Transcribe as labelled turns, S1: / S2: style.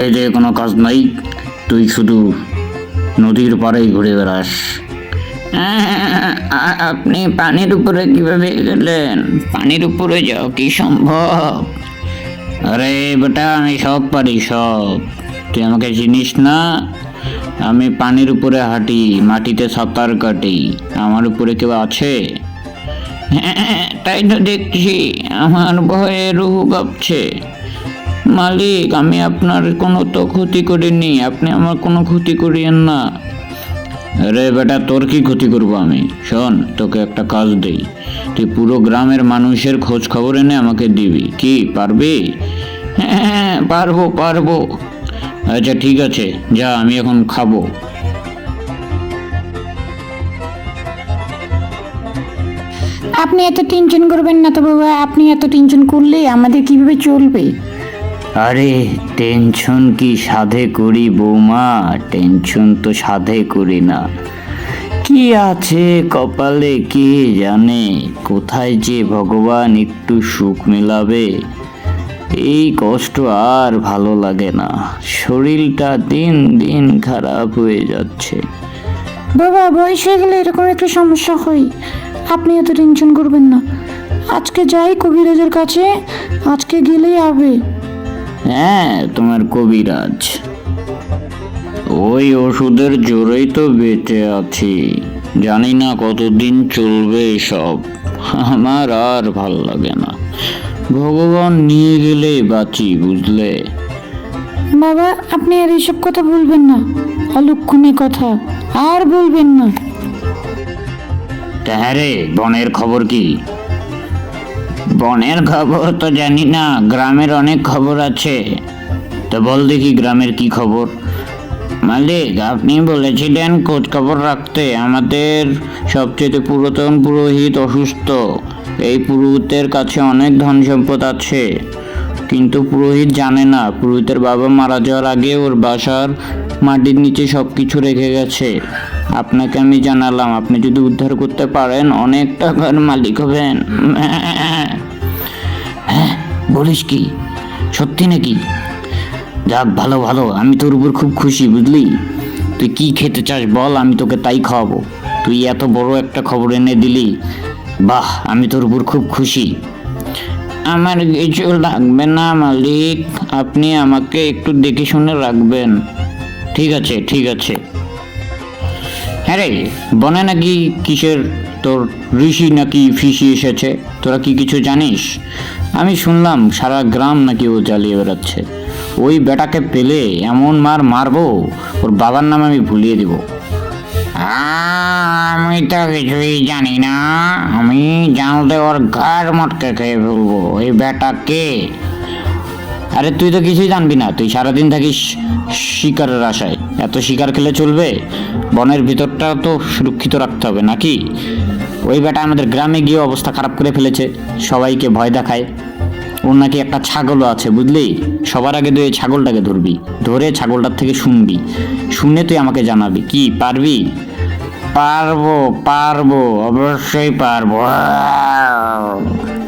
S1: এই যে কোনো কাজ নাই, তুই শুধু নদীর পাড়েই ঘুরে বেড়াস। আপনি পানির উপরে কিভাবে গেলেন? পানির উপরে যাও কি সম্ভব? আরে বেটা, আমি সব পারি সব। তুই আমাকে চিনিস না? আমি পানির উপরে হাঁটি, মাটিতে সাঁতার কাটি। আমার উপরে কেউ আছে? হ্যাঁ, তাই তো দেখছি। আমার ভয়ে রুহু কাঁপছে। মালিক, আমি আপনার কোনো তো ক্ষতি করিনি, আপনি আমার কোনো ক্ষতি করিয়েন না। আরে বেটা, তোর কি ক্ষতি করবো আমি? শোন, তোকে একটা কাজ দেই। তুই পুরো গ্রামের মানুষের খোঁজ খবর এনে আমাকে দিবি। কি পারবি? হ্যাঁ, পারবো পারবো। আচ্ছা ঠিক আছে, যা, আমি এখন খাবো।
S2: আপনি এত টেনশন করবেন না তো বাবা, আপনি এত টেনশন করলে আমাদের কিভাবে চলবে?
S1: আরে টেনশন কি সাধে করি বৌমা? টেনশন তো সাধে করি না। কি আছে কপালে কে জানে, কোথায় যে ভগবান একটু সুখ মেলাবে। এই কষ্ট আর ভালো লাগে না, শরীরটা দিন দিন খারাপ হয়ে যাচ্ছে।
S2: বাবা, বয়স হয়ে গেলে এরকম একটা সমস্যা হয়। আপনি এত টেনশন করবেন না। আজকে যাই কবিরাজের কাছে, আজকে গেলেই হবে।
S1: হ্যাঁ, তোমার কবিরাজ, ওই ওষুধের জোরেই তো বেঁচে আছি। জানি না কতদিন চলবে সব। আমার আর ভাল লাগে না। ভগবান নিয়ে গেলে বাঁচি, বুঝলে?
S2: বাবা, আপনি আর এইসব কথা বলবেন না, অলক্ষণে কথা আর বলবেন না।
S1: হ্যাঁ রে, বনের খবর কি? বনের খবর তো জানি না, গ্রামের অনেক খবর আছে। তো বল দেখি, গ্রামের কি খবর? মালিক, আপনি বলেছিলেন খোঁজ খবর রাখতে। আমাদের সবচেয়ে পুরাতন পুরোহিত অসুস্থ। এই পুরোহিতের কাছে অনেক ধন সম্পদ আছে, কিন্তু পুরোহিত জানে না পুরোহিতের বাবা মারা যাওয়ার আগে ওর বাসার মাটির নিচে সব কিছু রেখে গেছে। আপনাকে আমি জানালাম, আপনি যদি উদ্ধার করতে পারেন অনেক টাকার মালিক হবেন। হ্যাঁ, বলিস কি? সত্যি নাকি? যাক, ভালো ভালো, আমি তোর উপর খুব খুশি, বুঝলি? তুই কি খেতে চাস বল, আমি তোকে তাই খাওয়াবো। তুই এত বড় একটা খবর এনে দিলি, বাহ, আমি তোর উপর খুব খুশি। আমার কিছু লাগবে না মালিক, আপনি আমাকে একটু দেখে শুনে রাখবেন। ঠিক আছে ঠিক আছে। হ্যাঁ রে, বনে নাকি কিসের তোর ঋষি নাকি ফিসি এসেছে, তোরা কি কিছু জানিস? আমি শুনলাম সারা গ্রাম নাকি ও জ্বালিয়ে বেড়াচ্ছে। ওই বেটাকে পেলে এমন মার মারবো, ওর বাবার নাম আমি ভুলিয়ে দিব। আমি তো কিছুই জানি না, আমি জানলে ওর ঘাড় মটকে খেয়ে ফেলবো। এই বেটাকে? আরে তুই তো কিছুই জানবি না, তুই সারাদিন থাকিস শিকারের আশায়। এত শিকার খেলে চলবে? বনের ভিতরটা তো সুরক্ষিত রাখতে হবে নাকি? ওই বেটা আমাদের গ্রামে গিয়ে অবস্থা খারাপ করে ফেলেছে, সবাইকে ভয় দেখায়। ওর নাকি একটা ছাগলও আছে, বুঝলি? সবার আগে তুই এই ছাগলটাকে ধরবি, ধরে ছাগলটার থেকে শুনবি, শুনে তুই আমাকে জানাবি। কি পারবি? পারবো পারবো, অবশ্যই পারবো।